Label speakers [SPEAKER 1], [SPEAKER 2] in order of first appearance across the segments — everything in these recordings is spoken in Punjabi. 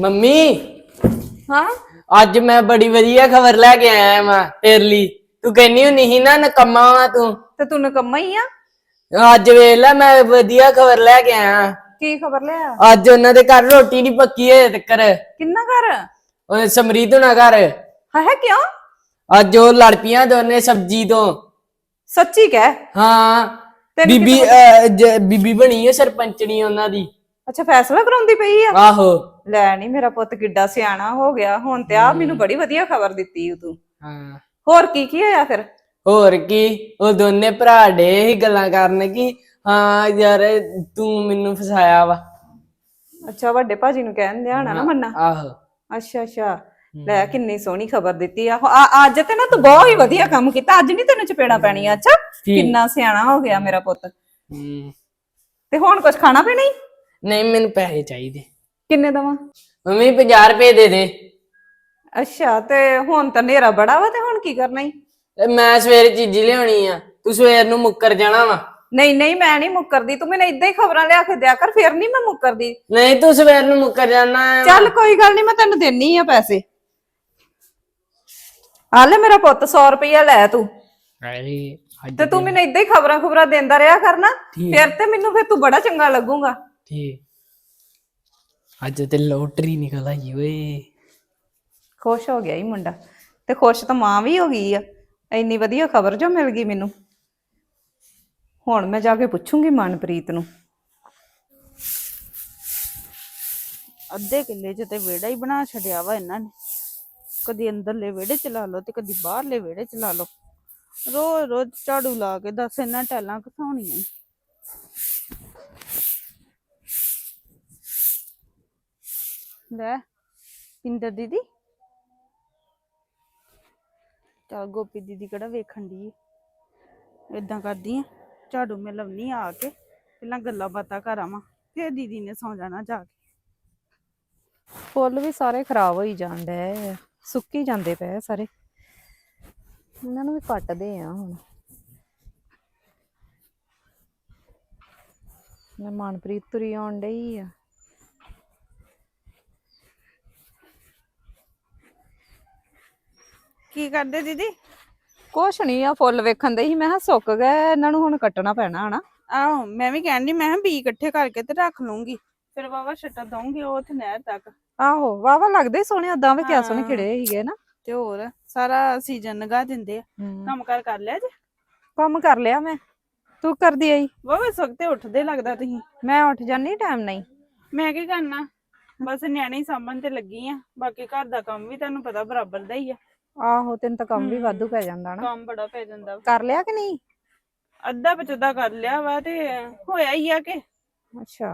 [SPEAKER 1] ਮੰਮੀ
[SPEAKER 2] ਹਾਂ।
[SPEAKER 1] ਅੱਜ ਮੈਂ ਬੜੀ ਵਧੀਆ ਖਬਰ ਲੈ ਕੇ ਆਇਆ ਮੈਂ ਤੇਰੇ ਲਈ। ਤੂੰ ਕਹਿੰਨੀ ਹੁੰਨੀ ਸੀ ਨਾ ਨਕਮਾ ਵਾ ਤੂੰ।
[SPEAKER 2] ਤੇ ਤੂੰ ਨਕੰਮਾ ਹੀ ਆ।
[SPEAKER 1] ਅੱਜ ਵੇਖ ਲੈ ਮੈਂ ਵਧੀਆ ਖਬਰ ਲੈ ਕੇ ਆਇਆ।
[SPEAKER 2] ਕੀ ਖਬਰ ਲਿਆ?
[SPEAKER 1] ਅੱਜ ਉਹਨਾਂ ਦੇ ਘਰ ਰੋਟੀ ਨਹੀਂ ਪੱਕੀ ਹਜੇ ਤੱਕਰ।
[SPEAKER 2] ਕਿੰਨਾ ਘਰ?
[SPEAKER 1] ਉਹ ਸਮਰੀਤ ਹੁਣਾ ਘਰ।
[SPEAKER 2] ਹੈ ਕਿਉਂ?
[SPEAKER 1] ਅੱਜ ਉਹ ਲੜ ਪਈਆਂ ਦੋਨੇ ਸਬਜੀ ਤੋਂ।
[SPEAKER 2] ਸੱਚੀ ਕਹਿ।
[SPEAKER 1] ਹਾਂ
[SPEAKER 2] ਤੈਨੂੰ
[SPEAKER 1] ਬੀਬੀ
[SPEAKER 2] ਕਿੱਦਾਂ ਪਤਾ?
[SPEAKER 1] ਬੀਬੀ ਬਣੀ ਹੈ ਸਰਪੰਚਣੀ ਉਹਨਾਂ ਦੀ।
[SPEAKER 2] ਅੱਛਾ, ਫੈਸਲਾ ਕਰਾਉਂਦੀ ਪਈ ਆ।
[SPEAKER 1] ਆਹੋ।
[SPEAKER 2] ਲੈ ਨੀ ਮੇਰਾ ਪੁੱਤ ਕਿੱਡਾ ਸਿਆਣਾ ਹੋ ਗਿਆ ਹੁਣ ਤੇ ਆ ਮੈਨੂੰ ਬੜੀ ਵਧੀਆ ਖਬਰ ਦਿੱਤੀ ਤੂੰ।
[SPEAKER 1] ਹਾਂ।
[SPEAKER 2] ਹੋਰ ਕੀ ਹੋਇਆ ਫਿਰ?
[SPEAKER 1] ਹੋਰ ਕੀ, ਉਹ ਦੋਨੇ ਭਰਾ ਡੇ ਹੀ ਗੱਲਾਂ ਕਰਨ ਕਿ ਹਾਂ ਯਾਰ ਤੂੰ ਮੈਨੂੰ ਫਸਾਇਆ ਵਾ।
[SPEAKER 2] ਅੱਛਾ, ਵੱਡੇ ਭਾਜੀ ਨੂੰ ਕਹਿਣ ਦਿਆ ਹੋਣਾ ਨਾ ਮੰਨਾ।
[SPEAKER 1] ਆਹੋ।
[SPEAKER 2] ਅੱਛਾ ਅੱਛਾ। ਲੈ ਕਿੰਨੀ ਸੋਹਣੀ ਖਬਰ ਦਿੱਤੀ ਆ। ਅੱਜ ਤੇ ਨਾ ਤੂੰ ਬਹੁਤ ਹੀ ਵਧੀਆ ਕੰਮ ਕੀਤਾ। ਅੱਜ ਨਹੀਂ ਤੈਨੂੰ ਚਪੇੜਾ ਪੈਣੀਆਂ। ਅੱਛਾ, ਕਿੰਨਾ ਸਿਆਣਾ ਹੋ ਗਿਆ ਮੇਰਾ ਪੁੱਤ। ਤੇ ਹੁਣ ਕੁਝ ਖਾਣਾ ਪੀਣਾ ਹੀ?
[SPEAKER 1] ਨਹੀਂ, ਮੈਨੂੰ ਪੈਸੇ ਚਾਹੀਦੇ।
[SPEAKER 2] ਕਿੰਨੇ ਦਵਾਂ?
[SPEAKER 1] ਮੰਮੀ 50 ਰੁਪਏ ਦੇ ਦੇ।
[SPEAKER 2] ਅੱਛਾ, ਤੇ ਹੁਣ ਤਾਂ ਹਨੇਰਾ ਬੜਾ ਵਾ ਤੇ ਹੁਣ ਕੀ ਕਰਨਾ ਈ?
[SPEAKER 1] ਮੈਂ ਸਵੇਰੇ ਚੀਜ਼ੀ ਲਿਆਉਣੀ ਆ, ਤੂੰ ਸਵੇਰ ਨੂੰ ਮੁੱਕਰ ਜਾਣਾ ਵਾ।
[SPEAKER 2] ਨਹੀਂ ਨਹੀਂ, ਮੈਂ ਨਹੀਂ ਮੁੱਕਰਦੀ। ਤੂੰ ਮੈਨੂੰ ਏਦਾਂ ਹੀ ਖਬਰਾਂ ਲਿਆ ਕੇ ਦਿਆ ਕਰ, ਫੇਰ ਨਹੀਂ ਮੈਂ ਮੁੱਕਰਦੀ।
[SPEAKER 1] ਨਹੀਂ, ਤੂੰ ਸਵੇਰ ਨੂੰ ਮੁੱਕਰ ਜਾਣਾ।
[SPEAKER 2] ਚੱਲ ਕੋਈ ਗੱਲ ਨਹੀਂ, ਮੈਂ ਤੈਨੂੰ ਦੇਣੀ ਆ ਪੈਸੇ। ਆ ਲੈ ਮੇਰਾ ਪੁੱਤ, 100 ਰੁਪਇਆ ਲੈ ਤੂੰ। ਤੇ ਤੂੰ ਮੈਨੂੰ ਏਦਾਂ ਹੀ ਖਬਰਾਂ ਦਿੰਦਾ ਰਿਹਾ ਕਰਨਾ, ਫਿਰ ਤੂੰ ਬੜਾ ਚੰਗਾ ਲੱਗੂਗਾ।
[SPEAKER 1] ਠੀਕ। ਅੱਜ ਤੇ ਲੋਟਰੀ ਨਿਕਲ ਆਈ ਓਏ।
[SPEAKER 2] ਖੁਸ਼ ਹੋ ਗਿਆ ਹੀ ਮੁੰਡਾ, ਤੇ ਖੁਸ਼ ਤਾਂ ਮਾਂ ਵੀ ਹੋ ਗਈ ਆ। ਇੰਨੀ ਵਧੀਆ ਖਬਰ ਜੋ ਮਿਲ ਗਈ ਮੈਨੂੰ। ਹੁਣ ਮੈਂ ਜਾ ਕੇ ਪੁੱਛੂੰਗੀ ਮਨਪ੍ਰੀਤ ਨੂੰ।
[SPEAKER 3] ਅੱਧੇ ਕਿੱਲੇ 'ਚ ਤੇ ਵਿਹੜਾ ਹੀ ਬਣਾ ਛੱਡਿਆ ਵਾ ਇਹਨਾਂ ਨੇ। ਕਦੀ ਅੰਦਰਲੇ ਵਿਹੜੇ 'ਚ ਲਾ ਲਓ ਤੇ ਕਦੀ ਬਾਹਰਲੇ ਵਿਹੜੇ 'ਚ ਲਾ ਲਓ। ਰੋਜ਼ ਰੋਜ਼ ਝਾੜੂ ਲਾ ਕੇ ਦੱਸ ਇਹਨਾਂ ਟੈਲਾਂ ਘਸਾਉਣੀਆਂ। ਲੈ ਪਿੰਦਰ ਦੀਦੀ, ਚੱਲ ਗੋਪੀ ਦੀਦੀ ਕਿਹੜਾ ਵੇਖਣ ਦੀ। ਏਦਾਂ ਕਰਦੀ ਆ, ਝਾੜੂ ਮੈਂ ਲਾਉਣੀ ਆ ਕੇ, ਪਹਿਲਾਂ ਗੱਲਾਂ ਬਾਤਾਂ ਕਰ ਆਵਾਂ, ਫਿਰ ਦੀਦੀ ਨੇ ਸੌਂ ਜਾਣਾ ਜਾ ਕੇ।
[SPEAKER 2] ਫੁੱਲ ਵੀ ਸਾਰੇ ਖਰਾਬ ਹੋਈ ਜਾਣ ਡਏ, ਸੁੱਕੀ ਜਾਂਦੇ ਪਏ ਸਾਰੇ। ਇਹਨਾਂ ਨੂੰ ਵੀ ਕੱਟਦੇ ਆ ਹੁਣ। ਮਨਪ੍ਰੀਤ ਤੁਰੀ ਆਉਣ ਡਈ ਆ।
[SPEAKER 3] ਕੀ ਕਰਦੇ ਦੀਦੀ?
[SPEAKER 2] ਕੁਛ ਨੀ ਆ, ਫੁੱਲ ਵੇਖਣ ਦੇ ਹੀ। ਮੈਂ ਕਿਹਾ ਸੁੱਕ ਗਏ, ਇਹਨਾਂ ਨੂੰ ਹੁਣ ਕੱਟਣਾ ਪੈਣਾ ਹਨਾ।
[SPEAKER 3] ਆਹੋ, ਮੈਂ ਵੀ ਕਹਿਣ ਦੀ, ਮੈਂ ਕਿਹਾ ਬੀ ਇਕੱਠੇ ਕਰਕੇ ਤੇ ਰੱਖ ਲੂੰਗੀ, ਫਿਰ ਵਾਵਾ ਛੱਟਾ ਦਊਂਗੀ ਉਹ ਉੱਥੇ ਨਹਿਰ ਤੱਕ।
[SPEAKER 2] ਆਹੋ, ਵਾਵਾ ਲੱਗਦੇ ਸੋਹਣੇ, ਓਦਾਂ ਵੀ ਕਿਆ ਸੋਹਣੇ ਖਿੜੇ ਸੀਗੇ ਨਾ।
[SPEAKER 3] ਤੇ ਹੋਰ ਸਾਰਾ ਸੀਜ਼ਨ ਲੰਘਾ ਦਿੰਦੇ ਆ। ਕੰਮ ਕਰ ਲਿਆ ਜੇ?
[SPEAKER 2] ਕੰਮ ਕਰ ਲਿਆ ਮੈਂ। ਤੂੰ ਕਰਦੀ ਆਈ?
[SPEAKER 3] ਵਾਵਾ ਸਵਖਤੇ ਉੱਠਦੇ ਲੱਗਦਾ ਤੁਸੀਂ।
[SPEAKER 2] ਮੈਂ ਉੱਠ ਜਾਨੀ ਟਾਈਮ ਨਹੀਂ।
[SPEAKER 3] ਮੈਂ ਕੀ ਕਰਨਾ, ਬਸ ਨਿਆਣੇ ਹੀ ਸਾਂਭਣ ਤੇ ਲੱਗੀ ਆ। ਬਾਕੀ ਘਰ ਦਾ ਕੰਮ ਵੀ ਤੁਹਾਨੂੰ ਪਤਾ ਬਰਾਬਰ ਦਾ ਹੀ ਆ।
[SPEAKER 2] ਆਹੋ, ਤੈਨੂੰ ਤਾਂ ਕੰਮ ਵੀ ਵਾਧੂ ਪੈ ਜਾਂਦਾ ਨਾ।
[SPEAKER 3] ਕੰਮ ਬੜਾ ਪੈ ਜਾਂਦਾ।
[SPEAKER 2] ਕਰ ਲਿਆ ਕਿ ਨਹੀਂ?
[SPEAKER 3] ਅੱਧਾ ਪਚਦਾ ਕਰ ਲਿਆ ਵਾ, ਤੇ ਹੋਇਆ ਹੀ ਆ ਕਿ।
[SPEAKER 2] ਅੱਛਾ।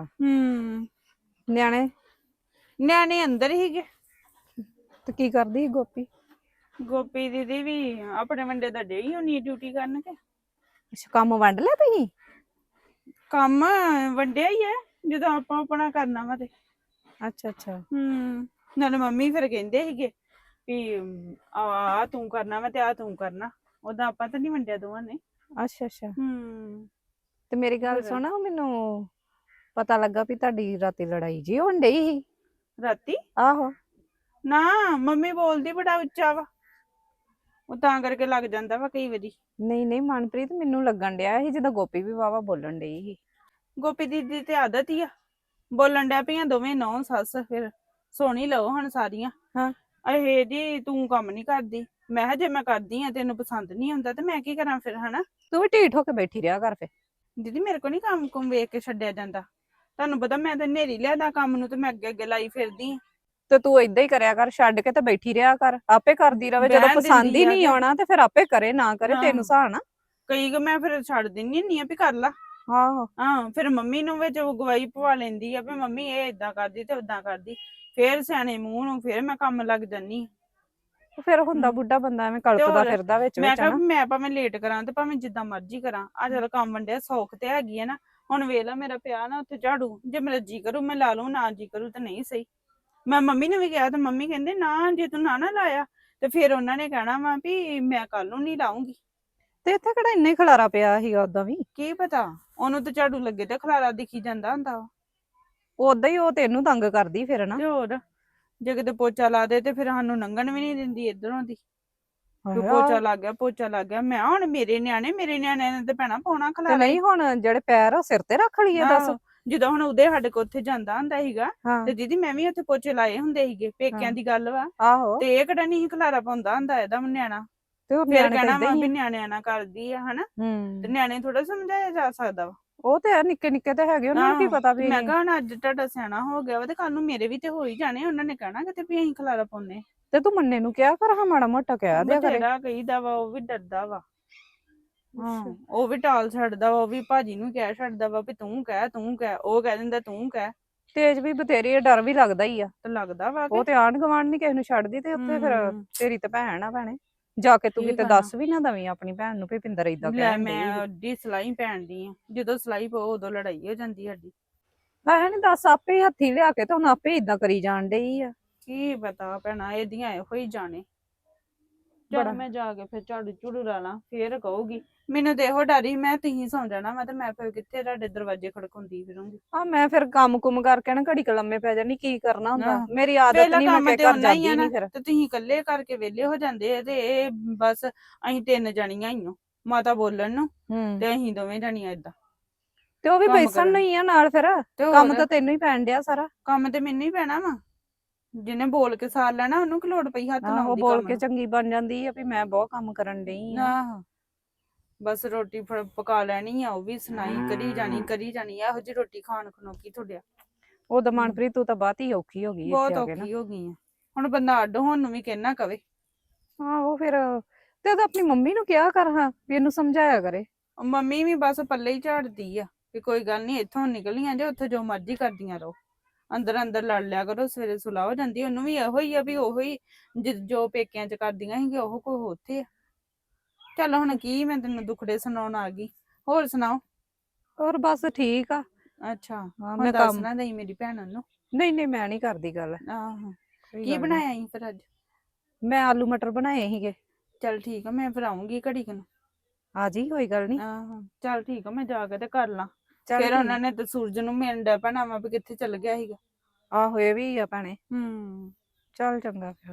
[SPEAKER 3] ਨਿਆਣੇ ਅੰਦਰ ਹੀਗੇ।
[SPEAKER 2] ਤੇ ਕੀ ਕਰਦੀ ਸੀ ਗੋਪੀ?
[SPEAKER 3] ਗੋਪੀ ਦੀਦੀ ਵੀ ਆਪਣੇ ਵੰਡੇ ਦਾ ਡੇ ਹੀ ਹੋਣੀ ਡਿਊਟੀ ਕਰਨ ਕੇ।
[SPEAKER 2] ਅੱਛਾ, ਕੰਮ ਵੰਡ ਲਿਆ ਤੁਸੀਂ?
[SPEAKER 3] ਕੰਮ ਵੰਡਿਆ ਹੀ ਹੈ, ਜਦੋਂ ਆਪਾਂ ਆਪਣਾ ਕਰਨਾ ਵਾ ਤੇ।
[SPEAKER 2] ਅੱਛਾ ਅੱਛਾ।
[SPEAKER 3] ਨਾਲੇ ਮੰਮੀ ਫਿਰ ਕਹਿੰਦੇ ਸੀਗੇ ਵੀ ਆ ਤੂੰ ਕਰਨਾ ਵਾ ਤੇ ਆ ਤੂੰ ਕਰਨਾ। ਉਦਾਂ ਆਪਾਂ ਤਾਂ ਨੀ ਵੰਡਿਆ ਦੋਵਾਂ ਨੇ।
[SPEAKER 2] ਅੱਛਾ ਅੱਛਾ। ਤੇ ਮੇਰੀ ਗੱਲ ਸੁਣ, ਮੈਨੂੰ ਪਤਾ ਲੱਗਾ ਵੀ ਤੁਹਾਡੀ ਰਾਤੀ ਲੜਾਈ ਜੀ ਹੋਣ ਡਈ ਸੀ।
[SPEAKER 3] ਰਾਤੀ?
[SPEAKER 2] ਆਹੋ।
[SPEAKER 3] ਨਾ, ਮੰਮੀ ਬੋਲਦੀ ਬੜਾ ਉੱਚਾ ਵਾ, ਉਹ ਤਾਂ ਕਰਕੇ ਲੱਗ ਜਾਂਦਾ ਵਾ ਕਈ ਵਾਰੀ।
[SPEAKER 2] ਨਹੀਂ ਨਹੀਂ ਮਨਪ੍ਰੀਤ, ਮੈਨੂੰ ਲੱਗਣ ਡਿਆ ਸੀ ਜਿੱਦਾਂ ਗੋਪੀ ਵੀ ਵਾਵਾ ਬੋਲਣ ਡਈ ਸੀ।
[SPEAKER 3] ਗੋਪੀ ਦੀਦੀ ਤੇ ਆਦਤ ਹੀ ਆ ਬੋਲਣ ਡਿਆ ਪਈਆਂ ਦੋਵੇਂ ਨੌ ਸੱਸ। ਫਿਰ ਸੁਣ ਹੀ ਲਓ ਹੁਣ ਸਾਰੀਆਂ।
[SPEAKER 2] ਹਾਂ।
[SPEAKER 3] ਇਹ ਜੀ ਤੂੰ ਕੰਮ ਨੀ ਕਰਦੀ। ਮੈਂ ਕਿਹਾ ਜੇ ਮੈਂ ਕਰਦੀ ਆ ਤੈਨੂੰ ਪਸੰਦ ਨੀ ਆਉਂਦਾ ਤੇ ਮੈਂ ਕੀ ਕਰਾਂ ਫਿਰ, ਹਨਾ।
[SPEAKER 2] ਤੂੰ ਵੀ ਢੀਠ ਹੋ ਕੇ ਬੈਠੀ ਰਿਹਾ ਕਰ ਫੇ।
[SPEAKER 3] ਦੀਦੀ ਮੇਰੇ ਕੋਲ ਨੀ ਕੰਮ ਕੁਮ ਵੇਖ ਕੇ ਛੱਡਿਆ ਜਾਂਦਾ। ਤੁਹਾਨੂੰ ਪਤਾ ਮੈਂ ਤਾਂ ਨੇਰੀ ਲਿਆਦਾ ਕੰਮ ਨੂੰ, ਤੇ ਮੈਂ ਅੱਗੇ ਅੱਗੇ ਲਾਈ ਫਿਰਦੀ ਆ।
[SPEAKER 2] ਤੇ ਤੂੰ ਏਦਾਂ ਹੀ ਕਰਿਆ ਕਰ, ਛੱਡ ਕੇ ਤੇ ਬੈਠੀ ਰਿਹਾ ਕਰ। ਆਪੇ ਕਰਦੀ ਰਵੇ, ਜਦੋਂ ਪਸੰਦ ਹੀ ਨਹੀਂ ਆਉਣਾ ਤੇ ਫਿਰ ਆਪੇ ਕਰੇ, ਨਾ ਕਰੇ ਤੈਨੂੰ ਸਹਾਣਾ।
[SPEAKER 3] ਕਈ ਮੈਂ ਫਿਰ ਛੱਡ ਦਿੰਦੀ ਹੁੰਦੀ ਆ ਵੀ ਕਰ ਲਾ।
[SPEAKER 2] ਆਹੋ।
[SPEAKER 3] ਹਾਂ, ਫਿਰ ਮੰਮੀ ਨੂੰ ਵਿੱਚ ਗਵਾਹੀ ਪਵਾ ਲੈਂਦੀ ਆ ਵੀ ਮੰਮੀ ਇਹ ਏਦਾਂ ਕਰਦੀ ਤੇ ਓਦਾਂ ਕਰਦੀ। ਫੇਰ ਸਿਆਣੇ ਮੂੰਹ ਨੂੰ ਫੇਰ ਮੈਂ ਕੰਮ ਲੱਗ ਜਾਨੀ।
[SPEAKER 2] ਫਿਰ ਹੁੰਦਾ ਬੁੱਢਾ ਬੰਦਾ ਐਵੇਂ ਕਲਪਦਾ ਫਿਰਦਾ ਵਿੱਚ
[SPEAKER 3] ਮੈਂ
[SPEAKER 2] ਵਿੱਚ
[SPEAKER 3] ਕਿਹਾ
[SPEAKER 2] ਨਾ।
[SPEAKER 3] ਮੈਂ ਭਾਵੇਂ ਲੇਟ ਕਰਾਂ ਤੇ ਭਾਵੇਂ ਜਿੱਦਾਂ ਮਰਜ਼ੀ ਕਰਾਂ, ਆ ਚੱਲ ਕੰਮ ਵੰਡਿਆ ਸੌਖ ਤੇ ਹੈਗੀ ਆ ਨਾ। ਹੁਣ ਵੇਖ ਲਾ ਮੇਰਾ ਪਿਆ ਨਾ ਉੱਥੇ ਝਾੜੂ, ਜੇ ਮੇਰਾ ਜੀ ਕਰੂ ਮੈਂ ਲਾ ਲੂ, ਨਾ ਜੀ ਕਰੂ ਤਾਂ ਨਹੀਂ ਸਹੀ। ਮੈਂ ਮੰਮੀ ਨੂੰ ਵੀ ਕਿਹਾ ਤੇ ਮੰਮੀ ਕਹਿੰਦੇ ਨਾ, ਜੇ ਤੂੰ ਨਾ ਲਾਇਆ ਤੇ ਫਿਰ ਉਹਨਾਂ ਨੇ ਕਹਿਣਾ ਵਾ ਵੀ ਮੈਂ ਕੱਲ ਨੂੰ ਨਹੀਂ ਲਾਉਂਗੀ।
[SPEAKER 2] ਤੇ ਇੱਥੇ ਕਿਹੜਾ ਇੰਨਾ ਹੀ ਖਲਾਰਾ ਪਿਆ ਸੀਗਾ ਓਦਾਂ ਵੀ।
[SPEAKER 3] ਕੀ ਪਤਾ, ਉਹਨੂੰ ਤੇ ਝਾੜੂ ਲੱਗੇ ਤੇ ਖਲਾਰਾ ਦਿਖੀ ਜਾਂਦਾ ਹੁੰਦਾ ਵਾ।
[SPEAKER 2] ਓਦਾਂ ਹੀ ਉਹ ਤੈਨੂੰ ਤੰਗ ਕਰਦੀ ਫਿਰ ਨਾ।
[SPEAKER 3] ਤੇ ਹੋਰ ਜੇ ਕਿਤੇ ਪੋਚਾ ਲਾ ਦੇ ਤੇ ਫਿਰ ਸਾਨੂੰ ਲੰਘਣ ਵੀ ਨਹੀਂ ਦਿੰਦੀ ਇਧਰੋਂ ਦੀ ਵੀ
[SPEAKER 2] ਹਾਏ,
[SPEAKER 3] ਪੋਚਾ ਲੱਗ ਗਿਆ ਪੋਚਾ ਲੱਗ ਗਿਆ। ਮੈਂ ਹੁਣ ਮੇਰੇ ਨਿਆਣਿਆਂ ਨੇ ਤੇ ਭੈਣਾ ਪਾਉਣਾ
[SPEAKER 2] ਤੇ
[SPEAKER 3] ਖਲਾਰਾ
[SPEAKER 2] ਨਹੀਂ ਹੁਣ ਜਿਹੜੇ ਪੈਰ ਆ ਸਿਰ ਤੇ ਰੱਖ ਲਈਏ ਦੱਸ।
[SPEAKER 3] ਜਦੋਂ ਹੁਣ ਉਹਦੇ ਸਾਡੇ ਕੋਲ ਉੱਥੇ ਜਾਂਦਾ ਹੁੰਦਾ ਸੀਗਾ
[SPEAKER 2] ਹਾਂ
[SPEAKER 3] ਤੇ ਦੀਦੀ ਮੈਂ ਵੀ ਉੱਥੇ ਪੋਚੇ ਲਾਏ ਹੁੰਦੇ ਸੀਗੇ ਪੇਕਿਆਂ ਦੀ ਗੱਲ ਵਾ
[SPEAKER 2] ਆਹੋ
[SPEAKER 3] ਤੇ ਇਹ ਕਿਹੜਾ ਨਹੀਂ ਖਲਾਰਾ ਪਾਉਂਦਾ ਹੁੰਦਾ ਇਹਦਾ ਨਿਆਣਾ।
[SPEAKER 2] ਤੇ ਉਹ
[SPEAKER 3] ਫਿਰ
[SPEAKER 2] ਨਿਆਣੇ ਤਾਂ
[SPEAKER 3] ਕਹਿਣਾ
[SPEAKER 2] ਏਦਾਂ
[SPEAKER 3] ਵਾ
[SPEAKER 2] ਹੀ
[SPEAKER 3] ਵੀ
[SPEAKER 2] ਆ।
[SPEAKER 3] ਨਿਆਣਿਆਂ ਨਾਲ ਕਰਦੀ ਆ ਹਨਾ ਤੇ
[SPEAKER 2] ਹੂੰ
[SPEAKER 3] ਨਿਆਣੇ ਥੋੜਾ ਸਮਝਾਇਆ ਜਾ ਸਕਦਾ ਵਾ।
[SPEAKER 2] ਉਹ ਤੇ ਹੈ ਨਿੱਕੇ ਨਿੱਕੇ ਤੇ ਹੈਗੇ ਉਹਨਾਂ ਨੂੰ ਕੀ
[SPEAKER 3] ਆਹੋ,
[SPEAKER 2] ਪਤਾ
[SPEAKER 3] ਤੇ
[SPEAKER 2] ਵੀ
[SPEAKER 3] ਮੈਂ ਕਿਹਾ ਹੁਣ ਅੱਜ ਤੁਹਾਡਾ ਸਿਆਣਾ ਹੋ ਗਿਆ ਵਾ ਤੇ ਕੱਲ ਨੂੰ ਮੇਰੇ ਵੀ ਤੇ ਹੋ ਹੀ ਜਾਣੇ ਉਹਨਾਂ ਨੇ ਕਹਿਣਾ ਕਿਤੇ ਵੀ ਅਸੀਂ ਖਲਾਰਾ ਪਾਉਂਦੇ
[SPEAKER 2] ਤੇ ਤੂੰ ਮੰਨੇ ਨੂੰ ਕਿਹਾ ਕਰ ਹਾਂ ਮਾੜਾ ਮੋਟਾ ਕਹਿ ਦਿਆ ਕਰੇ।
[SPEAKER 3] ਬਥੇਰਾ ਕਹੀਦਾ ਵਾ ਉਹ ਵੀ ਡਰਦਾ ਵਾ
[SPEAKER 2] ਹਾਂ
[SPEAKER 3] ਉਹ ਵੀ ਟਾਲ ਛੱਡਦਾ ਵਾ ਉਹ ਵੀ ਭਾਜੀ ਨੂੰ ਕਹਿ ਛੱਡਦਾ ਵਾ ਵੀ ਤੂੰ ਕਹਿ ਉਹ ਕਹਿ ਦਿੰਦਾ ਤੂੰ ਕਹਿ
[SPEAKER 2] ਤੇਜ ਵੀ ਬਥੇਰੀ ਆ, ਡਰ ਵੀ ਲੱਗਦਾ ਹੀ ਆ।
[SPEAKER 3] ਤੇ ਲੱਗਦਾ ਵਾ
[SPEAKER 2] ਉਹ ਤੇ ਆਂਢ ਗੁਆਂਢ ਨੀ ਕਿਸੇ ਨੂੰ ਛੱਡਦੀ ਤੇ ਉੱਥੇ ਫਿਰ
[SPEAKER 3] ਹਮ।
[SPEAKER 2] ਤੇਰੀ ਤੇ ਭੈਣ ਆ ਭੈਣੇ ਜਾ ਕੇ ਤੂੰ
[SPEAKER 3] ਕੀ
[SPEAKER 2] ਕਿਤੇ
[SPEAKER 3] ਕਰਨਾ?
[SPEAKER 2] ਦੱਸ ਵੀ ਨਾ ਦਵੀਂ ਆਪਣੀ ਭੈਣ ਨੂੰ ਵੀ ਪਿੰਦਰ ਏਦਾਂ
[SPEAKER 3] ਲੈ
[SPEAKER 2] ਕਹਿਣ
[SPEAKER 3] ਮੈਂ
[SPEAKER 2] ਡਈ।
[SPEAKER 3] ਅੱਡੀ ਸਲਾਈ ਪੈਣਦੀ ਆ ਜਦੋਂ ਸਲਾਈ ਪਾਓ ਉਦੋਂ ਲੜਾਈ ਹੋ ਜਾਂਦੀ ਸਾਡੀ।
[SPEAKER 2] ਹੈ ਨੀ ਦੱਸ ਆਪੇ ਹੀ ਹੱਥੀ ਲਿਆ ਕੇ ਤੇ ਹੁਣ ਆਪੇ ਇਦਾਂ ਕਰੀ ਜਾਣ ਡਈ ਆ।
[SPEAKER 3] ਕੀ ਪਤਾ ਭੈਣਾ ਇਹਦੀਆਂ ਇਹੋ ਹੀ ਜਾਣੇ।
[SPEAKER 2] ਬੜਾ।
[SPEAKER 3] ਚਲ ਮੈਂ ਜਾ ਕੇ ਫਿਰ ਝਾੜੂ ਝੂੜੂ ਲਾ ਲਾਂ ਫੇਰ ਕਹੂਗੀ ਮੈਨੂੰ ਤੇ ਇਹੋ ਡਰ ਸੀ ਮੈਂ ਤੁਸੀਂ ਸੌਂ ਜਾਣਾ ਵਾ ਤੇ ਮੈਂ ਫਿਰ ਕਿੱਥੇ ਤੁਹਾਡੇ ਦਰਵਾਜ਼ੇ ਖੜਕਾਉਂਦੀ ਫਿਰੂੰਗੀ।
[SPEAKER 2] ਆ ਮੈਂ ਫਿਰ ਕੰਮ ਕੁਮ ਕਰਕੇ ਨਾ ਘੜੀ ਕ ਲੰਮੇ ਪੈ ਜਾਣੀ ਕੀ ਕਰਨਾ ਹੁੰਦਾ
[SPEAKER 3] ਆਹ।
[SPEAKER 2] ਮੇਰੀ ਆਦਤ
[SPEAKER 3] ਪਹਿਲਾਂ
[SPEAKER 2] ਨਹੀਂ ਮੈਂ
[SPEAKER 3] ਕੰਮ
[SPEAKER 2] ਕਿ
[SPEAKER 3] ਤੇ
[SPEAKER 2] ਘਰ
[SPEAKER 3] ਉਹਨਾਂ ਹੀ
[SPEAKER 2] ਜਾਂਦੀ
[SPEAKER 3] ਆ ਨਾ
[SPEAKER 2] ਨਹੀਂ ਫਿਰ।
[SPEAKER 3] ਤੇ ਤੁਸੀਂ ਇਕੱਲੇ ਕਰਕੇ ਵਿਹਲੇ ਹੋ ਜਾਂਦੇ ਆ ਤੇ ਇਹ ਬਸ ਅਸੀਂ 3 ਜਣੀਆਂ ਹੀ ਆ ਮਾਤਾ ਬੋਲਣ ਨੂੰ
[SPEAKER 2] ਹੂੰ
[SPEAKER 3] ਤੇ ਅਸੀਂ ਦੋਵੇਂ ਜਣੀਆਂ ਏਦਾਂ
[SPEAKER 2] ਤੇ ਉਹ ਵੀ
[SPEAKER 3] ਕੰਮ
[SPEAKER 2] ਬੈਸਣ
[SPEAKER 3] ਕਰਨ।
[SPEAKER 2] ਨਹੀਂ ਆ ਨਾਲ ਫਿਰ
[SPEAKER 3] ਤੇ
[SPEAKER 2] ਕੰਮ
[SPEAKER 3] ਹੋਰ
[SPEAKER 2] ਤਾਂ ਤੈਨੂੰ ਹੀ ਪੈਣ ਡਿਆ ਸਾਰਾ।
[SPEAKER 3] ਕੰਮ ਤੇ ਮੈਨੂੰ ਹੀ ਪੈਣਾ ਵਾ ਜਿਹਨੇ ਬੋਲ ਕੇ ਸਾਰ ਲੈਣਾ ਉਹਨੂੰ ਕਿ ਲੋੜ ਪਈ ਹੱਥ
[SPEAKER 2] ਆਹੋ
[SPEAKER 3] ਲਾਉਣ ਦੀ
[SPEAKER 2] ਬੋਲ
[SPEAKER 3] ਕੰਮ
[SPEAKER 2] ਕੇ
[SPEAKER 3] ਨੂੰ।
[SPEAKER 2] ਚੰਗੀ ਬਣ ਜਾਂਦੀ ਆ ਵੀ ਮੈਂ ਬਹੁਤ ਕੰਮ ਕਰਨ ਡਈ ਆ।
[SPEAKER 3] ਆਹੋ ਬਸ ਰੋਟੀ ਪਕਾ ਲੈਣੀ ਆ ਉਹ ਵੀ ਸੁਣਾਈ ਕਰੀ ਜਾਣੀ ਇਹੋ ਜਿਹੀ ਰੋਟੀ ਖਾਣ ਖਨੋਕੀ ਤੁਹਾਡਿਆ
[SPEAKER 2] ਉਦੋਂ ਮਨਪ੍ਰੀਤ ਤੂੰ ਤਾਂ ਬਾਤ ਹੀ ਔਖੀ ਹੋ ਗਈ
[SPEAKER 3] ਬਹੁਤ
[SPEAKER 2] ਇੱਥੇ ਆ ਕੇ ਨਾ।
[SPEAKER 3] ਔਖੀ ਹੋ ਗਈ ਆ ਹੁਣ ਬੰਦਾ ਅੱਡ ਹੋਣ ਨੂੰ ਵੀ ਕਹਿਣਾ ਕਵੇ।
[SPEAKER 2] ਹਾਂ ਉਹ ਫਿਰ ਤੇ ਉਹਦਾ ਆਪਣੀ ਮੰਮੀ ਨੂੰ ਕਿਹਾ ਕਰ ਹਾਂ ਵੀ ਇਹਨੂੰ ਸਮਝਾਇਆ ਕਰੇ।
[SPEAKER 3] ਮੰਮੀ ਵੀ ਬਸ ਪੱਲੇ ਹੀ ਝਾੜਦੀ ਆ ਕਿ ਕੋਈ ਗੱਲ ਨਹੀਂ ਇੱਥੋਂ ਨਿਕਲੀਆਂ ਜੇ ਉੱਥੇ ਜੋ ਮਰਜ਼ੀ ਕਰਦੀਆਂ ਰਹੋ ਅੰਦਰ ਅੰਦਰ ਲੜ ਲਿਆ ਕਰੋ ਸਵੇਰੇ ਸੁਲਾਹ ਹੋ ਜਾਂਦੀ ਉਹਨੂੰ ਵੀ ਇਹੋ ਹੀ ਆ ਵੀ ਉਹੋ ਹੀ ਜੋ ਪੇਕਿਆਂ ਚ ਕਰਦੀਆਂ ਸੀਗੀਆਂ ਉਹ ਕੋਈ ਉੱਥੇ ਆ। ਚੱਲ ਹੁਣ ਕੀ ਮੈਂ ਤੈਨੂੰ ਦੁਖੜੇ ਸੁਣਾਉਣ ਆ ਗਈ ਹੋਰ ਸੁਣਾਓ।
[SPEAKER 2] ਹੋਰ ਬਸ ਠੀਕ ਆ।
[SPEAKER 3] ਅੱਛਾ
[SPEAKER 2] ਹਾਂ
[SPEAKER 3] ਹੁਣ
[SPEAKER 2] ਮੈਂ
[SPEAKER 3] ਦੱਸ
[SPEAKER 2] ਕੰਮ
[SPEAKER 3] ਨਾ ਦੇਈ ਮੇਰੀ ਭੈਣ ਨੂੰ।
[SPEAKER 2] ਨਹੀਂ ਮੈਂ ਨਹੀਂ ਕਰਦੀ ਗੱਲ।
[SPEAKER 3] ਆਹੋ
[SPEAKER 2] ਕੋਈ
[SPEAKER 3] ਕੀ
[SPEAKER 2] ਗੱਲ ਨੀ।
[SPEAKER 3] ਬਣਾਇਆ ਸੀ ਫਿਰ ਅੱਜ।
[SPEAKER 2] ਮੈਂ ਆਲੂ ਮਟਰ ਬਣਾਏ ਸੀਗੇ।
[SPEAKER 3] ਚੱਲ ਠੀਕ ਆ ਮੈਂ ਫਿਰ ਆਉਂਗੀ ਘੜੀ ਕੁ ਨੂੰ।
[SPEAKER 2] ਆ ਜੀ ਕੋਈ ਗੱਲ ਨਹੀਂ।
[SPEAKER 3] ਆਹੋ ਚੱਲ ਠੀਕ ਆ ਮੈਂ ਜਾ ਕੇ ਤੇ ਕਰ ਲਾਂ
[SPEAKER 2] ਚੱਲ
[SPEAKER 3] ਫਿਰ
[SPEAKER 2] ਠੀਕ।
[SPEAKER 3] ਉਹਨਾਂ ਨੇ ਤੇ ਸੂਰਜ ਨੂੰ ਮਿਲਣ ਡਿਆ ਪੈਣਾ ਵਾ ਵੀ ਕਿੱਥੇ ਚੱਲ ਗਿਆ ਸੀਗਾ।
[SPEAKER 2] ਆਹੋ ਇਹ ਵੀ ਆ ਭੈਣੇ। ਚੱਲ ਚੰਗਾ ਫਿਰ।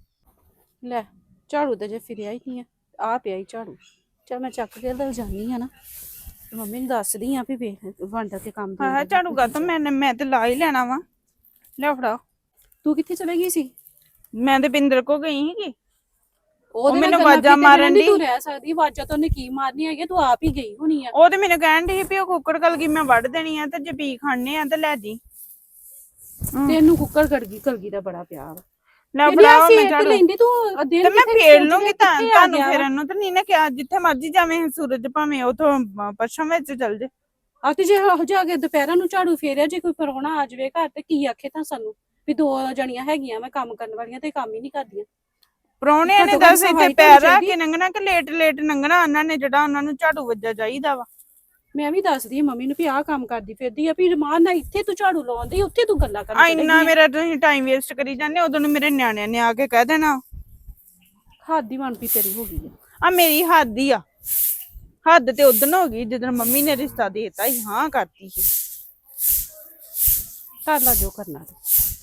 [SPEAKER 4] ਲੈ ਝਾੜੂ ਤੇ ਜੇ ਫਿਰਿਆ ਹੀ ਨਹੀਂ ਆ ਪਿਆ ਹੀ ਝਾੜੂ। ਚਲ ਮੈਂ ਚੱਕ ਕੇ ਦਲ ਜਾਨੀ ਆ ਨਾ ਤੇ ਮੰਮੀ ਨੂੰ ਦੱਸਦੀ ਆ ਵੀ ਵੇਖ ਵੰਡਾ ਤੇ ਕੰਮ
[SPEAKER 3] ਹਾਂ ਝਾੜੂ ਗਾ ਤਾਂ ਮੈਂ ਤੇ ਲਾ ਹੀ ਲੈਣਾ ਵਾ ਲੈ ਫੜਾ।
[SPEAKER 4] ਤੂੰ ਕਿੱਥੇ ਚਲੇ ਗਈ ਸੀ?
[SPEAKER 3] ਮੈਂ ਤੇ ਬਿੰਦਰ ਕੋ ਗਈ ਸੀਗੀ
[SPEAKER 4] ਉਹਦੇ
[SPEAKER 3] ਮੈਨੂੰ
[SPEAKER 4] ਨਾਲ ਗੱਲਾਂ
[SPEAKER 3] ਆਵਾਜ਼ਾਂ
[SPEAKER 4] ਕੀਤੇ
[SPEAKER 3] ਮਾਰਨ
[SPEAKER 4] ਬਿਨਾਂ ਨੀ
[SPEAKER 3] ਡਈ।
[SPEAKER 4] ਤੂੰ ਰਹਿ ਸਕਦੀ ਆਵਾਜ਼ਾਂ ਤਾਂ ਉਹਨੇ ਕੀ ਮਾਰਨੀ ਹੈਗੀ ਤੂੰ ਆਪ ਹੀ ਗਈ ਹੋਣੀ ਆ।
[SPEAKER 3] ਉਹ ਤੇ ਮੈਨੂੰ ਕਹਿਣ ਡਈ ਸੀ ਵੀ ਉਹ ਕੁੱਕੜ ਕਲਗੀ ਮੈਂ ਵੱਢ ਦੇਣੀ ਆ ਤੇ ਜੇ ਪੀ ਖਾਣੇ ਆ ਤੇ ਲੈ ਜੀ।
[SPEAKER 4] ਤੈਨੂੰ ਕੁੱਕਰ ਕਲਗੀ ਦਾ ਬੜਾ ਪਿਆਰ
[SPEAKER 3] ਲੈ
[SPEAKER 4] ਕਹਿੰਦੀ
[SPEAKER 3] ਫੜਾ
[SPEAKER 4] ਅਸੀਂ
[SPEAKER 3] ਮੈਂ
[SPEAKER 4] ਇੱਕ
[SPEAKER 3] ਝਾੜੂ
[SPEAKER 4] ਲੈਂਦੀ ਤੂੰ ਦਿਨ
[SPEAKER 3] ਤੇ ਮੈਂ
[SPEAKER 4] ਕਿੱਥੇ
[SPEAKER 3] ਫੇਰ
[SPEAKER 4] ਸੋਚਦੀ
[SPEAKER 3] ਲੂੰਗੀ
[SPEAKER 4] ਕਿੱਥੇ ਆ
[SPEAKER 3] ਤੁਹਾਨੂੰ
[SPEAKER 4] ਗਿਆ ਵਾ।
[SPEAKER 3] ਫੇਰਨ ਨੂੰ ਤੇ ਨਹੀਂ ਨਾ ਕਿਹਾ ਜਿੱਥੇ ਮਰਜ਼ੀ ਜਾਵੇਂ ਸੂਰਜ ਭਾਵੇਂ ਉਥੋਂ ਪੱਛਮ ਵਿੱਚ ਚੱਲ ਜੇ।
[SPEAKER 4] ਆ ਤੇ ਜੇ ਹੋ ਜਾ ਕੇ ਦੁਪਹਿਰਾਂ ਨੂੰ ਝਾੜੂ ਫੇਰਿਆ ਜੇ ਕੋਈ ਪਰੌਣਾ ਆ ਜਾਵੇ ਘਰ ਤੇ ਕੀ ਆਖੇ ਤਾਂ ਸਾਨੂੰ ਵੀ 2 ਜਣੀਆਂ ਹੈਗੀਆਂ ਮੈਂ ਕੰਮ ਕਰਨ ਵਾਲੀਆਂ ਤੇ ਕੰਮ ਹੀ ਨਹੀਂ ਕਰਦੀਆਂ।
[SPEAKER 3] ਪ੍ਰਾਹੁਣਿਆਂ ਨੇ
[SPEAKER 4] ਘੱਟੋ ਘੱਟ
[SPEAKER 3] ਦੱਸ ਇੱਥੇ
[SPEAKER 4] ਸਫਾਈ
[SPEAKER 3] ਪੈਰ
[SPEAKER 4] ਤਾਂ
[SPEAKER 3] ਰੱਖ
[SPEAKER 4] ਚਾਹੀਦੀ।
[SPEAKER 3] ਕੇ ਲੰਘਣਾ ਕਿ ਲੇਟ ਲੰਘਣਾ ਉਹਨਾਂ ਨੇ ਜਿਹੜਾ ਉਹਨਾਂ ਨੂੰ ਝਾੜੂ ਵੱਜਾ ਚਾਹੀਦਾ ਵਾ।
[SPEAKER 4] ਮੈਂ ਵੀ ਦੱਸਦੀ ਆ ਮੰਮੀ ਨੂੰ ਵੀ ਆਹ ਕੰਮ ਕਰਦੀ ਫਿਰਦੀ ਆ ਵੀ ਰਮਾਨ ਨਾਲ ਇੱਥੇ ਤੂੰ ਝਾੜੂ ਲਾਉਂਦੀ ਉੱਥੇ ਤੂੰ ਗੱਲਾਂ ਕਰਨ ਚਲੀ
[SPEAKER 3] ਇੰਨਾ
[SPEAKER 4] ਗਈ
[SPEAKER 3] ਮੇਰਾ ਤੁਸੀਂ ਟਾਈਮ ਵੇਸਟ ਕਰੀ ਜਾਂਦੇ ਉਦੋਂ ਨੂੰ ਮੇਰੇ ਨਿਆਣਿਆਂ ਨੇ ਆ ਕੇ ਕਹਿ ਦੇਣਾ
[SPEAKER 4] ਹੱਦ ਹੀ ਮਨਪੀ ਤੇਰੀ ਹੋ ਗਈ ਆ।
[SPEAKER 3] ਆ ਮੇਰੀ ਹੱਦ ਹੀ ਆ। ਹੱਦ ਤੇ ਉਦਣ ਹੋ ਗਈ ਜਦੋਂ ਮੰਮੀ ਨੇ ਰਿਸ਼ਤਾ ਦੇਤਾ ਸੀ ਹਾਂ ਕਰਤੀ ਸੀ।
[SPEAKER 4] ਕਰ ਲਾ ਜੋ ਕਰਨਾ ਤੇ।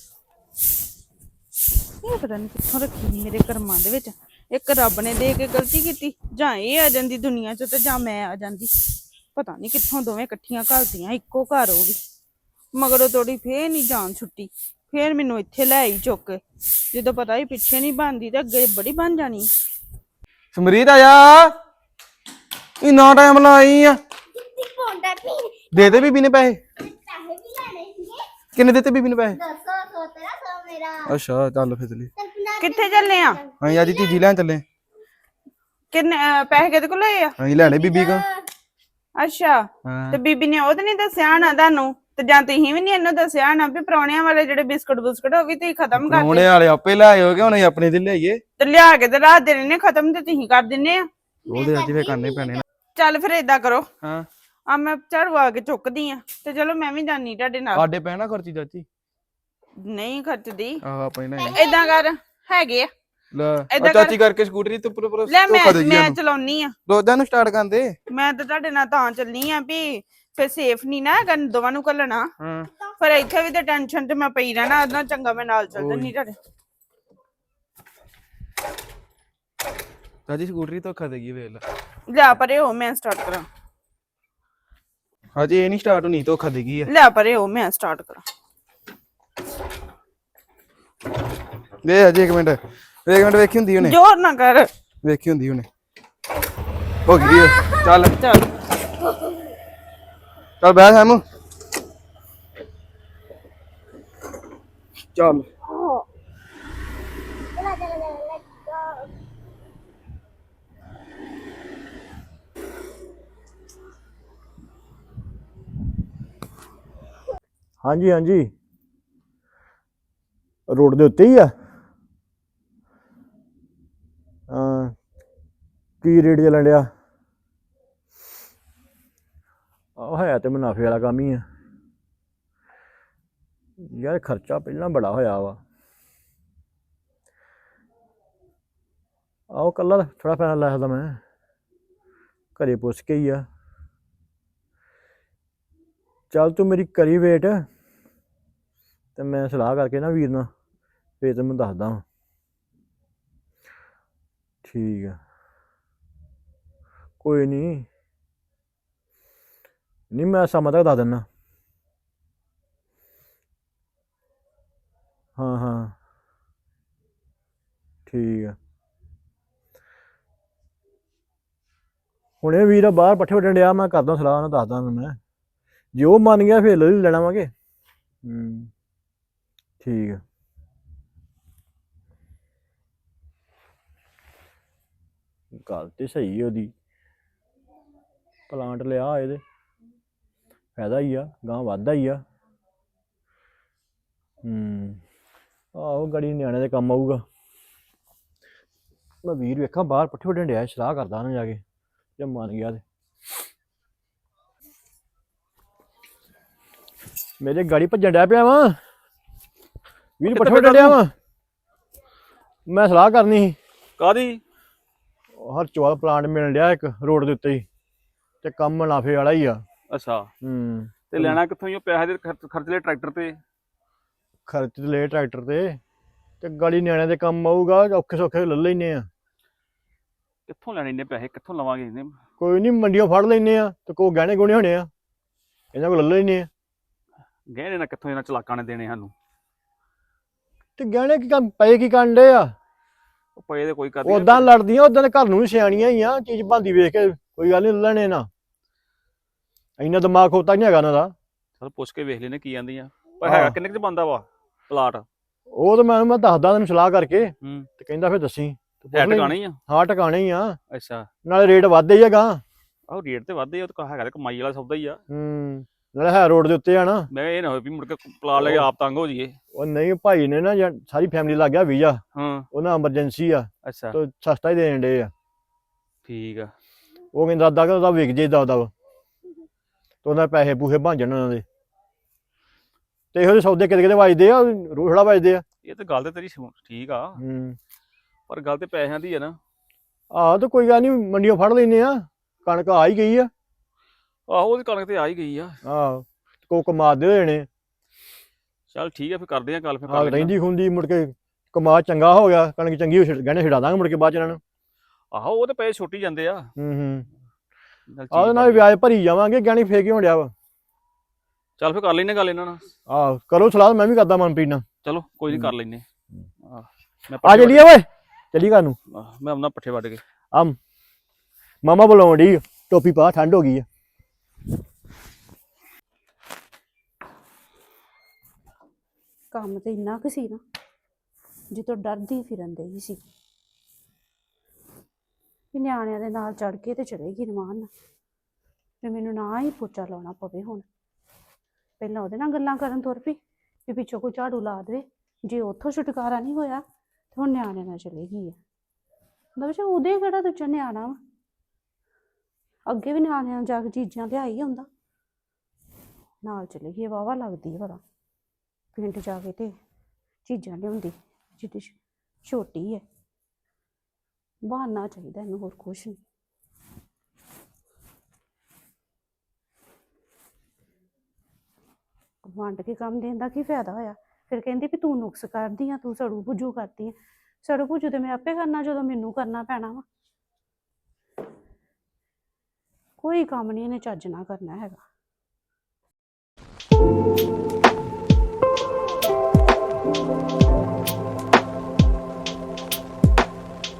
[SPEAKER 3] ਇਹ ਪਤਾ ਨਹੀਂ ਕਿੱਥੋਂ ਰੱਖੀ ਮੇਰੇ ਕਰਮਾਂ ਦੇ ਵਿੱਚ ਇੱਕ ਰੱਬ ਨੇ ਦੇ ਕੇ ਗਲਤੀ ਕੀਤੀ ਜਾਂ ਇਹ ਆ ਜਾਂਦੀ ਦੁਨੀਆ 'ਚ ਤੇ ਜਾਂ ਮੈਂ ਆ ਜਾਂਦੀ ਪਤਾ ਨਹੀਂ ਕਿੱਥੋਂ ਦੋਵੇਂ ਇਕੱਠੀਆਂ ਘਲਦੀਆਂ ਇੱਕੋ ਘਰ ਉਹ ਵੀ ਮਗਰੋਂ ਤੋੜੀ ਫੇਰ ਨਹੀਂ ਜਾਨ ਛੁੱਟੀ ਫੇਰ ਮੈਨੂੰ ਇੱਥੇ ਲੈ ਆਈ ਚੁੱਕ ਕੇ ਜਦੋਂ ਪਤਾ ਹੀ ਪਿੱਛੇ ਨਹੀਂ ਬਣਦੀ ਤੇ ਅੱਗੇ ਬੜੀ ਬਣ ਜਾਣੀ।
[SPEAKER 5] ਸਮਰੀਤ ਆਇਆ ਇੰਨਾ ਟਾਈਮ ਲਾਈ ਆ ਦੇ ਦੇ ਬੀਬੀ ਨੇ ਪੈਸੇ ਕਿੰਨੇ ਦਿੱਤੇ ਬੀਬੀ ਨੇ ਪੈਸੇ ਅੱਛਾ ਚੱਲ ਫਿਰ ਚਲੀ
[SPEAKER 3] ਕਿੱਥੇ ਚੱਲੇ ਆ
[SPEAKER 5] ਅਸੀਂ ਅੱਜ ਚੀਜ਼ੀ ਲੈਣ ਚੱਲੇ
[SPEAKER 3] ਕਿੰਨੇ ਪੈਸੇ ਕਿਹਦੇ ਕੋਲ ਲਏ ਆ
[SPEAKER 5] ਅਸੀਂ ਲੈਣੇ ਬੀਬੀ ਕੋ
[SPEAKER 3] ਅੱਛਾ
[SPEAKER 5] ਹਾਂ
[SPEAKER 3] ਤੇ ਬੀਬੀ ਨੇ ਉਹ ਤੇ ਨਹੀਂ ਦੱਸਿਆ ਨਾ ਤੁਹਾਨੂੰ ਤੇ ਜਾਂ ਤੁਸੀਂ ਵੀ ਨਹੀਂ ਇਹਨੂੰ ਦੱਸਿਆ ਨਾ ਵੀ ਪ੍ਰਾਹੁਣਿਆਂ ਵਾਲੇ ਜਿਹੜੇ ਬਿਸਕੁਟ ਬੁਸਕੁਟ ਉਹ ਵੀ ਤੁਸੀਂ ਖਤਮ ਕਰ
[SPEAKER 5] ਉਹਨੇ
[SPEAKER 3] ਦਿੱਤੇ
[SPEAKER 5] ਵਾਲੇ ਆਪੇ ਲੈ ਆਇਓ ਕਿ ਹੁਣ ਅਸੀਂ ਆਪਣੇ ਦਿਲ ਲਿਆਈਏ
[SPEAKER 3] ਤੇ ਲਿਆ ਕੇ ਤੇ ਰਾਤ ਦੇ ਨੇ ਖਤਮ ਤੇ ਤੁਸੀਂ ਕਰ ਦਿੰਨੇ ਆ।
[SPEAKER 5] ਉਹਦੇ ਅੱਜ ਫੇਰ ਕਰਨੇ ਪੈਣੇ
[SPEAKER 3] ਚੱਲ ਫਿਰ ਏਦਾਂ ਕਰੋ
[SPEAKER 5] ਹਾਂ
[SPEAKER 3] ਆ ਮੈਂ ਝਾੜੂ ਆ ਕੇ ਚੁੱਕਦੀ ਆ ਤੇ ਚਲੋ ਮੈਂ ਵੀ ਜਾਨੀ ਤੁਹਾਡੇ ਨਾਲ।
[SPEAKER 5] ਸਾਡੇ ਪੈਣਾ ਖਰਚੀ ਚਾਚੀ
[SPEAKER 3] ਨਹੀਂ ਖਰਚਦੀ
[SPEAKER 5] ਆਹ ਆਪਣੇ ਲੈ
[SPEAKER 3] ਏਦਾਂ ਕਰ ਹੈਗੇ ਆ
[SPEAKER 5] ਲੈ
[SPEAKER 3] ਏਦਾਂ
[SPEAKER 5] ਆ ਚਾਚੀ ਕਰਕੇ ਸਕੂਟਰੀ ਤੇ ਉੱਪਰ
[SPEAKER 3] ਲੈ
[SPEAKER 5] ਧੋਖਾ ਦੇ
[SPEAKER 3] ਮੈਂ ਚਲਾਉਣੀ ਆ
[SPEAKER 5] ਰੋਜ਼ਾਂ ਨੂੰ ਸਟਾਰਟ ਕਰਦੇ
[SPEAKER 3] ਮੈਂ ਤਾਂ ਤੁਹਾਡੇ ਨਾਲ ਤਾਂ ਚੱਲਨੀ ਆ ਵੀ ਫਿਰ ਸੇਫ ਨਹੀਂ ਨਾ ਹੈਗਾ ਦੋਵਾਂ ਨੂੰ ਘੱਲਣਾ।
[SPEAKER 5] ਹਾਂ
[SPEAKER 3] ਫਿਰ ਇੱਥੇ ਵੀ ਤੇ ਟੈਨਸ਼ਨ ਤੇ ਮੈਂ ਪਈ ਰਹਿਣਾ, ਉਹਦਾ ਚੰਗਾ ਮੈਂ ਨਾਲ ਚੱਲ ਜੰਨੀ ਤੁਹਾਡੇ।
[SPEAKER 5] ਰਾਜੀ ਸਕੂਟਰੀ ਧੋਖਾ ਦੇਗੀ ਵੇਖ ਲੈ।
[SPEAKER 3] ਲਿਆ ਪਰੇ ਹੋ, ਮੈਂ ਸਟਾਰਟ ਕਰਾਂ।
[SPEAKER 5] ਹਜੇ ਇਹ ਨਹੀਂ ਸਟਾਰਟ ਹੋਣੀ, ਧੋਖਾ ਦੇਗੀ ਆ।
[SPEAKER 3] ਲਿਆ ਪਰੇ ਹੋ, ਮੈਂ ਸਟਾਰਟ ਕਰਾਂ।
[SPEAKER 5] ਵੇ ਹਜੇ 1 ਮਿੰਟ, 1 ਮਿੰਟ ਵੇਖੀ ਹੁੰਦੀ ਉਹਨੇ,
[SPEAKER 3] ਜ਼ੋਰ ਨਾ ਕਰ।
[SPEAKER 5] ਵੇਖੀ ਹੁੰਦੀ ਉਹਨੇ। ਹੋ ਗਈ ਆ। ਚੱਲ
[SPEAKER 3] ਚੱਲ
[SPEAKER 5] ਚੱਲ ਬਹਿ ਸੈਮੂ। ਚੱਲ
[SPEAKER 6] ਹਾਂਜੀ ਹਾਂਜੀ ਰੋਡ ਦੇ ਉੱਤੇ ਹੀ ਆ। ਕੀ ਰੇਟ ਚੱਲਣ ਡਿਆ? ਆਹ ਹੈ ਤੇ ਮੁਨਾਫੇ ਵਾਲਾ ਕੰਮ ਹੀ ਆ ਯਾਰ, ਖਰਚਾ ਪਹਿਲਾਂ ਬੜਾ ਹੋਇਆ ਵਾ। ਆਹੋ ਕੱਲਾ ਥੋੜਾ ਪੈਸਾ ਲੈ ਸਕਦਾ ਮੈਂ, ਘਰੇ ਪੁੱਛ ਕੇ ਹੀ ਆ। ਚੱਲ ਤੂੰ ਮੇਰੀ ਕਰੀ ਵੇਟ ਤੇ ਮੈਂ ਸਲਾਹ ਕਰਕੇ ਨਾ ਵੀਰ ਨਾਲ ਫੇਰ ਤੈਨੂੰ ਦੱਸਦਾ ਵਾਂ। ਠੀਕ ਆ, ਕੋਈ ਨਹੀਂ ਨਹੀਂ ਮੈਂ ਸ਼ਾਮਾਂ ਤੱਕ ਦੱਸ ਦਿੰਦਾ। ਹਾਂ ਹਾਂ ਠੀਕ ਆ। ਹੁਣੇ ਵੀਰ ਬਾਹਰ ਪੱਠੇ ਵੱਢਣ ਡਿਆ, ਮੈਂ ਕਰਦਾ ਸਲਾਹ ਨਾਲ, ਦੱਸਦਾ ਮੈਂ। ਜੇ ਉਹ ਮੰਨ ਗਿਆ ਫਿਰ ਲੈ ਲੈਣਾ ਵਾਂਗੇ। ਠੀਕ ਆ। ਗੱਲ ਤੇ ਸਹੀ ਹੈ ਉਹਦੀ, ਪਲਾਂਟ ਲਿਆ ਇਹਦੇ ਫਾਇਦਾ ਹੀ ਆ, ਗਾਂ ਵੱਧਦਾ ਹੀ ਆ। ਆਹੋ ਗੜੀ ਨਿਆਣੇ ਦੇ ਕੰਮ ਆਊਗਾ। ਮੈਂ ਵੀਰ ਵੇਖਾਂ ਬਾਹਰ ਪੱਠੇ ਵੱਢਣ ਡਿਆ, ਸਲਾਹ ਕਰਦਾ ਨਾ ਜਾ ਕੇ, ਜੇ ਮੰਨ ਗਿਆ ਤੇ। ਮੇਰੇ ਗਾੜੀ ਭੱਜਣ ਡਿਆ ਪਿਆ ਵਾ ਵੀਰ, ਪੱਠੇ ਵੱਢਣ ਡਿਆ ਵਾ। ਮੈਂ ਸਲਾਹ ਕਰਨੀ ਸੀ।
[SPEAKER 7] ਕਾਦੀ?
[SPEAKER 6] ਹਰਚੋਲ ਪਲਾਂਟ ਮਿਲਣ ਡਿਆ ਇੱਕ ਰੋਡ ਦੇ ਉੱਤੇ ਹੀ, ਤੇ ਕੰਮ ਮੁਨਾਫੇ ਵਾਲਾ ਹੀ ਆ।
[SPEAKER 7] ਅੱਛਾ ਤੇ ਲੈਣਾ ਕਿੱਥੋਂ ਹੀ? ਪੈਸੇ ਦੇ ਖਰਚ ਲਏ ਟਰੈਕਟਰ ਤੇ,
[SPEAKER 6] ਖਰਚ ਤੇ ਲਏ ਟਰੈਕਟਰ ਤੇ ਗਾੜੀ ਨਿਆਣਿਆਂ ਦੇ ਕੰਮ ਆਊਗਾ, ਔਖੇ ਸੌਖੇ ਲੈ ਲੈਨੇ ਆ।
[SPEAKER 7] ਕਿੱਥੋਂ ਲੈਣੇ ਇੰਨੇ ਪੈਸੇ? ਕਿੱਥੋਂ ਲਵਾਂਗੇ ਇਹਨੇ?
[SPEAKER 6] ਕੋਈ ਨਹੀਂ ਮੰਡੀਆਂ ਫੜ ਲੈਨੇ ਆ, ਤੇ ਕੋਈ ਗਹਿਣੇ ਗੁਣੇ ਹੋਣੇ ਆ, ਇਹਨਾਂ ਕੋਲ ਲੈ ਲੈਨੇ ਆ।
[SPEAKER 7] ਗਹਿਣੇ ਨਾ ਕਿੱਥੋਂ ਇਹਨਾਂ ਚਲਾਕਾਂ ਨੇ ਦੇਣੇ ਸਾਨੂੰ?
[SPEAKER 6] ਤੇ ਗਹਿਣੇ ਕੀ ਕੰਮ ਪਏ, ਕੀ ਕਰਨ ਡੇ ਆ?
[SPEAKER 7] ਉਹ ਪਏ ਦੇ ਕੋਈ ਕਰ
[SPEAKER 6] ਉਦਾਂ ਲੜਦੀਆਂ, ਉਦਾਂ ਦੇ ਘਰ ਨੂੰ ਵੀ ਸਿਆਣੀਆਂ ਹੀ ਆ, ਚੀਜ਼ ਬਣਦੀ ਵੇਖ ਕੇ ਕੋਈ ਗੱਲ ਨਹੀਂ ਲੈਣੇ ਨਾ। ਇੰਨਾ ਦਿਮਾਗ ਖੋਤਾ ਨਹੀਂ ਹੈਗਾ ਇਹਨਾਂ ਦਾ।
[SPEAKER 7] ਚਲ ਪੁੱਛ ਕੇ ਵੇਖ ਲੈਨੇ ਕੀ ਆਂਦੀਆਂ। ਪਰ ਹੈਗਾ ਕਿੰਨੇ ਕੁ ਚ ਬਣਦਾ ਵਾ ਪਲਾਟ?
[SPEAKER 6] ਉਹ ਤਾਂ ਮੈਂ ਦੱਸਦਾ ਤੈਨੂੰ ਸਲਾਹ ਕਰਕੇ, ਤੇ ਕਹਿੰਦਾ ਫਿਰ ਦੱਸੀ।
[SPEAKER 7] ਹੈ ਟਿਕਾਣੇ ਹੀ ਆ?
[SPEAKER 6] ਹਾਂ ਟਿਕਾਣੇ ਹੀ ਆ,
[SPEAKER 7] ਅੱਛਾ।
[SPEAKER 6] ਨਾਲੇ ਰੇਟ ਵੱਧਦੇ ਹੀ ਹੈਗਾ।
[SPEAKER 7] ਆਹੋ ਰੇਟ ਤੇ ਵੱਧਦੇ ਆ, ਉਹ ਤਾਂ ਹੈਗਾ ਤੇ ਕਮਾਈ ਵਾਲਾ ਸੌਦਾ ਹੀ ਆ।
[SPEAKER 6] ਨਾਲੇ ਹੈ ਰੋਡ ਦੇ ਉੱਤੇ ਆ ਨਾ।
[SPEAKER 7] ਮੈਂ ਇਹ ਨਾ ਹੋਵੇ ਵੀ ਮੁੜ ਕੇ ਪਲਾਟ ਲੈ ਕੇ ਆਪ ਤੰਗ ਹੋ ਜਾਈਏ।
[SPEAKER 6] ਉਹ ਨਹੀਂ, ਭਾਈ ਨੇ ਨਾ ਸਾਰੀ ਫੈਮਿਲੀ ਲੱਗ ਗਿਆ ਵੀਜ਼ਾ,
[SPEAKER 7] ਹਾਂ
[SPEAKER 6] ਉਹਨਾਂ ਐਮਰਜੈਂਸੀ ਆ,
[SPEAKER 7] ਅੱਛਾ
[SPEAKER 6] ਤੇ ਸਸਤਾ ਹੀ ਦੇਣ ਡੇ ਆ।
[SPEAKER 7] ਠੀਕ ਆ।
[SPEAKER 6] ਉਹ ਕਹਿੰਦਾ ਕਿ ਉਹਦਾ ਵਿਕ ਜੇ ਦਬ ਤੇ ਉਹਨਾਂ ਪੈਸੇ ਪੂਸੇ ਬਣ ਜਾਣ ਉਹਨਾਂ ਦੇ। ਤੇ ਇਹੋ ਜਿਹੇ ਸੌਦੇ ਕਿਤੇ ਕਿਤੇ ਵੱਜਦੇ ਆ, ਰੋਹੜਾ ਵੱਜਦੇ ਆ।
[SPEAKER 7] ਇਹ ਤਾਂ ਗੱਲ ਤੇ ਤੇਰੀ ਠੀਕ ਆ, ਪਰ ਗੱਲ ਤੇ ਪੈਸਿਆਂ ਦੀ ਆ ਨਾ।
[SPEAKER 6] ਆਹ ਤਾਂ ਕੋਈ ਗੱਲ ਨਹੀਂ, ਮੰਡੀਆਂ ਫੜ ਲੈਨੇ ਆ, ਕਣਕ ਆ ਹੀ ਗਈ ਆ।
[SPEAKER 7] ਆਹੋ ਉਹਦੀ ਕਣਕ ਤੇ ਆ ਹੀ ਗਈ ਆ।
[SPEAKER 6] ਆਹੋ ਕੋ ਕਮਾ ਦੇ ਦੇਣੇ।
[SPEAKER 7] ਚੱਲ ਠੀਕ ਆ, ਫਿਰ ਕਰਦੇ ਆ ਗੱਲ। ਫਿਰ
[SPEAKER 6] ਆਹ ਰਹਿੰਦੀ ਖੁੰਦੀ ਮੁੜ ਕੇ ਕਮਾ ਚੰਗਾ ਹੋ ਗਿਆ, ਕਣਕ ਚੰਗੀ ਹੋ ਗਹਿਣੇ ਛਡਾ ਦਾਂਗੇ ਮੁੜ ਕੇ ਬਾਅਦ ਚ ਇਹਨਾਂ ਨੂੰ।
[SPEAKER 7] ਆਹੋ ਉਹ ਤੇ ਪੈਸੇ ਛੁੱਟੀ ਜਾਂਦੇ ਆ।
[SPEAKER 6] ਆਹ ਨਾਲ ਵਿਆਜ ਭਰੀ ਜਾਵਾਂਗੇ, ਗਹਿਣੇ ਫੇਕ ਹੀ ਡਿਆ ਵਾ।
[SPEAKER 7] ਚੱਲ ਫਿਰ ਕਰ ਲੈਨੇ ਗੱਲ ਇਹਨਾਂ ਨਾਲ।
[SPEAKER 6] ਆਹ ਕਰੋ ਸਲਾਹ, ਮੈਂ ਵੀ ਕਰਦਾ ਮਨਪ੍ਰੀਤ ਨਾਲ।
[SPEAKER 7] ਚਲੋ ਕੋਈ ਨਹੀਂ ਕਰ ਲੈਨੇ।
[SPEAKER 6] ਆ ਚੱਲੀਏ ਓਏ, ਚੱਲੀ ਘਰ ਨੂੰ।
[SPEAKER 7] ਮੈਂ ਆਪਣਾ ਪੱਠੇ ਵੱਢ ਕੇ
[SPEAKER 6] ਆ ਮਾਮਾ ਬੁਲਾਉਣ ਡਈ, ਟੋਪੀ ਪਾ, ਠੰਡ ਹੋ ਗਈ ਆ।
[SPEAKER 4] ਕੰਮ ਤੇ ਇੰਨਾ ਕੁ ਸੀ ਨਾ, ਜਿੱਤੋਂ ਡਰਦੀ ਫਿਰਨ ਡਈ ਸੀ ਕਿ ਨਿਆਣਿਆਂ ਦੇ ਨਾਲ ਚੜ ਕੇ ਤੇ ਚੜੇਗੀ ਰਮਾਨ ਨਾਲ, ਤੇ ਮੈਨੂੰ ਨਾ ਹੀ ਪੋਚਾ ਲਾਉਣਾ ਪਵੇ। ਹੁਣ ਪਹਿਲਾਂ ਉਹਦੇ ਨਾਲ ਗੱਲਾਂ ਕਰਨ ਤੁਰ ਪਈ ਵੀ ਪਿੱਛੋਂ ਕੋਈ ਝਾੜੂ ਲਾ ਦੇਵੇ, ਜੇ ਉੱਥੋਂ ਛੁਟਕਾਰਾ ਨਹੀਂ ਹੋਇਆ ਤੇ ਹੁਣ ਨਿਆਣਿਆਂ ਨਾਲ ਚਲੇਗੀ ਆ। ਮਤਲਬ ਉਹਦੇ ਕਿਹੜਾ ਦੂਜਾ ਨਿਆਣਾ ਵਾ, ਅੱਗੇ ਵੀ ਨਿਆਣਿਆਂ ਨਾਲ ਜਾ ਕੇ ਚੀਜ਼ਾਂ ਲਿਆਈ ਹੁੰਦਾ, ਨਾਲ ਚਲੇਗੀ। ਵਾਹਵਾ ਲੱਗਦੀ ਹੈ ਪਤਾ, ਪਿੰਡ ਜਾ ਕੇ ਤੇ ਚੀਜ਼ਾਂ ਲਿਆਉਂਦੀ ਜਿੱਦੀ ਛੋਟੀ ਹੈ। ਬਹਾਨਾ ਚਾਹੀਦਾ ਇਹਨੂੰ, ਹੋਰ ਕੁਛ ਨਹੀਂ। ਵੰਡ ਕੇ ਕੰਮ ਦੇਣ ਦਾ ਕੀ ਫਾਇਦਾ ਹੋਇਆ। ਫਿਰ ਕਹਿੰਦੀ ਵੀ ਤੂੰ ਨੁਕਸ ਕਰਦੀ ਆ, ਤੂੰ ਸੜੂ ਬੁੱਝੂ ਕਰਦੀ ਆ। ਸੜੂ ਬੁੱਝੂ ਤੇ ਮੈਂ ਆਪੇ ਕਰਨਾ ਜਦੋਂ ਮੈਨੂੰ ਕਰਨਾ ਪੈਣਾ ਵਾ। ਕੋਈ ਕੰਮ ਨਹੀਂ ਇਹਨੇ ਚੱਜ ਨਾਲ ਕਰਨਾ ਹੈਗਾ।